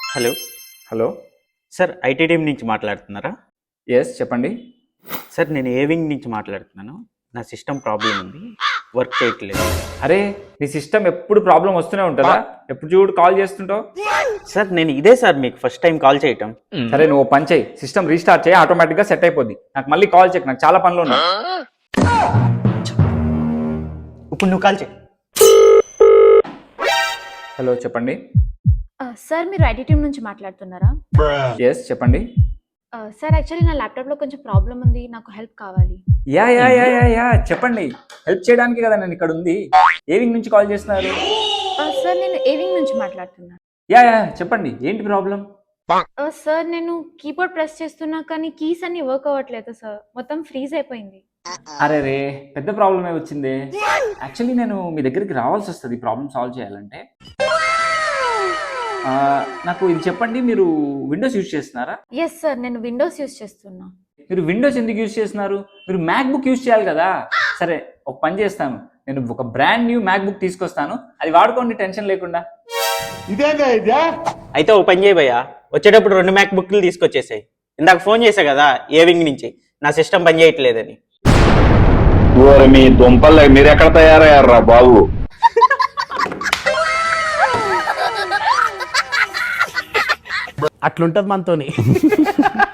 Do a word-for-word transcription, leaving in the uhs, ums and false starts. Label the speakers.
Speaker 1: Hello
Speaker 2: hello
Speaker 1: sir, IT team నుంచి మాట్లాడుతున్నారా?
Speaker 2: Yes చెప్పండి.
Speaker 1: సార్, నేను ఏ వింగ్ నుంచి మాట్లాడుతున్నాను. నా సిస్టమ్ ప్రాబ్లం ఉంది, వర్క్ చేయట్లేదు.
Speaker 2: అరే నీ సిస్టమ్ ఎప్పుడు ప్రాబ్లం వస్తూనే ఉంటుందా? ఎప్పుడు చూడు కాల్ చేస్తుంటావు.
Speaker 1: సార్, నేను ఇదే సార్ మీకు ఫస్ట్ టైం కాల్ చేయటం.
Speaker 2: సరే నువ్వు ఓ పని చేయి, సిస్టమ్ రీస్టార్ట్ చేయి, ఆటోమేటిక్గా సెట్ అయిపోద్ది. నాకు మళ్ళీ కాల్ చేయకు, నాకు చాలా పనులు ఉన్నాయి.
Speaker 1: ఇప్పుడు నువ్వు కాల్ చేయి.
Speaker 2: హలో చెప్పండి.
Speaker 3: సార్ మీరు ఐటీ టీమ్ నుంచి మాట్లాడుతున్నారా?
Speaker 2: ఎస్ చెప్పండి.
Speaker 3: సార్ యాక్చువల్లీ నా ల్యాప్టాప్లో కొంచెం ప్రాబ్లం ఉంది, నాకు హెల్ప్ కావాలి.
Speaker 2: Yeah yeah yeah yeah yeah చెప్పండి. హెల్ప్ చేయడానికి కదా నేను ఇక్కడ ఉంది. ఏ వింగ్ నుంచి కాల్ చేస్తున్నారు?
Speaker 3: సార్ నేను ఏవింగ్ నుంచి మాట్లాడుతున్నాను.
Speaker 2: యా యా చెప్పండి, ఏంటి ప్రాబ్లం?
Speaker 3: సార్ నేను కీబోర్డ్ ప్రెస్ చేస్తున్నా కానీ కీస్ అన్ని వర్క్ అవ్వట్లేదు సార్, మొత్తం ఫ్రీజ్ అయిపోయింది.
Speaker 2: అరే రే పెద్ద ప్రాబ్లమే వచ్చింది. యాక్చువల్లీ నేను మీ దగ్గరికి రావాల్సి వస్తుంది ప్రాబ్లమ్ సాల్వ్ చేయాలంటే. ఆ, నాకు ఇది చెప్పండి, మీరు విండోస్ యూజ్ చేస్తున్నారా?
Speaker 3: ఎస్ సార్, నేను విండోస్ యూస్ చేస్తున్నా.
Speaker 2: మీరు విండోస్ ఎందుకు యూజ్ చేస్తున్నారు? మీరు మ్యాక్ బుక్ యూజ్ చేయాలి కదా. సరే ఒక పని చేస్తాను, నేను ఒక బ్రాండ్ న్యూ మ్యాక్ బుక్ తీసుకొస్తాను, అది వాడుకోండి టెన్షన్ లేకుండా.
Speaker 1: అయితే ఓ పని చేయి భయ్యా, వచ్చేటప్పుడు రెండు మ్యాక్ బుక్లు తీసుకొచ్చేసాయి. ఇందాక ఫోన్ చేశా కదా ఏ వింగ్ నుంచి, నా సిస్టమ్ పని చేయట్లేదని.
Speaker 4: మీ దుంపలు మీరు ఎక్కడ తయారయ్యారా బాబు?
Speaker 5: అట్లుంటది మనతోని.